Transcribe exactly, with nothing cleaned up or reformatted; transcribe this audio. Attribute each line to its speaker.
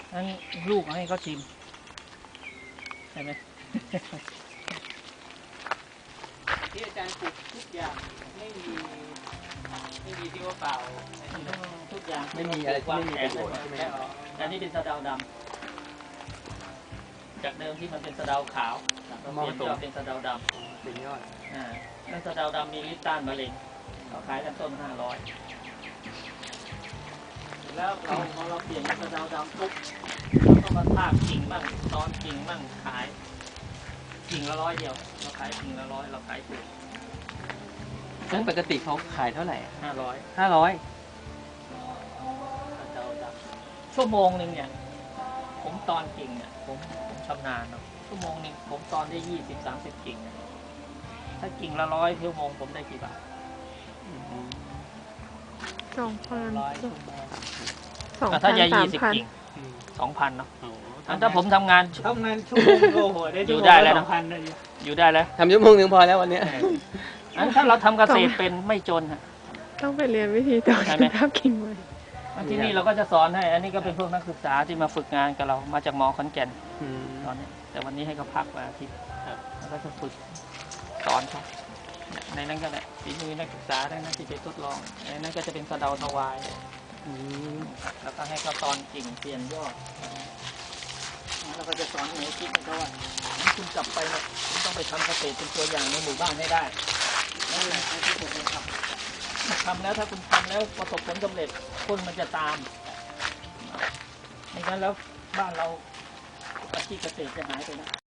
Speaker 1: นั้นลูกให้เขาชิมใช่ไหม
Speaker 2: ที่อาจารย์ปลูกทุกอย่างไม่มีไม่มีที่ว่าเปล่าทุกอย่าง
Speaker 3: ไม่มีอะไรที่ไม่มีประโยชน์ใช่ไหม
Speaker 2: อันนี้เป็นสะเดาดำจากเดิมที่มันเป็นสะเดาขาวเราเปลี่ยนยอดเป็นสะเดาดำ
Speaker 3: เป็นยอด
Speaker 2: อ่านั่นสะเดาดำมีฤทธิ์ต้านมะเร็งเราขายกันต้นห้าร้อยแล้วเราพอเราเปลี่ยนเป็นสะเดาดำปุ๊บเราก็มาทากกิ่งบ้างตอนกิ่งบ้างขายกิ่งละร้อยเดียวเราขายกิ่งละร้อยเราขายถูก
Speaker 3: ซึ่งปกติเขาขายเท่าไหร่
Speaker 2: ห้าร้อย
Speaker 3: ห้าร้อย
Speaker 2: ชั่วโมงหนึ่งเนี่ย ผมตอนกิ่งเนี่ยผมผมชำนาญเนาะชั่วโมงหนึ่งผมตอนได้ยี่สิบสามสิบกิ่งเนี่ยถ้ากิ่งละร้อยชั่วโมงผมได้กี่บาท
Speaker 4: สองพัน
Speaker 2: ร้อยชั่วโมง
Speaker 4: สอง
Speaker 2: แต่
Speaker 4: พั
Speaker 2: ถ้าน จะ
Speaker 4: สา
Speaker 2: ยี่
Speaker 4: ม
Speaker 2: สิบ
Speaker 4: พัน
Speaker 2: กิ่งสองพันเนาะ
Speaker 3: โอ้
Speaker 2: อันถ้าผมทำงาน
Speaker 1: ทำงานชั่วโมงโอ้โหได้
Speaker 2: อยู่ได้แล้วนะ
Speaker 1: สองพันเลย
Speaker 2: อยู่ได้แล้ว
Speaker 3: ทำชั่วโมงหนึ่งพอแล้ววันเนี้ย
Speaker 2: อันถ้าเราทำเกษตรเป็นไม่จนฮะ
Speaker 4: ต้องไปเรียนวิธีต่อ
Speaker 2: ใช่ไหม
Speaker 4: ภาพกิ่งไว้
Speaker 2: อันที่นี่เราก็จะสอนให้ อันนี้ก็เป็นพวกนักศึกษาที่มาฝึกงานกับเรามาจากมอขอนแก่น
Speaker 3: อืม
Speaker 2: ตอนนี้แต่วันนี้ให้เขาพักมาอาทิตย์
Speaker 3: ครับ
Speaker 2: แล้วก็จะฝึกสอนเขาในนั้นก็แหละฝีมือนักศึกษาทั้งนั้นที่ไปทดลองในนั้นก็จะเป็นสะเดาทวาย
Speaker 3: อืม
Speaker 2: แล้วก็ให้เขาตอนกิ่งเปลี่ยนยอดแล้วก็จะสอนให้เขาคิดให้เขาว่าคุณกลับไปเนี่ยคุณต้องไปทำเกษตรเป็นตัวอย่างในหมู่บ้านให้ได้นั่นแหละที่ผมจะทำทำแล้วถ้าคุณทำแล้วประสบผลสำเร็จคนมันจะตามไม่งั้นแล้วบ้านเราอาชีพเกษตรจะหายไปนะ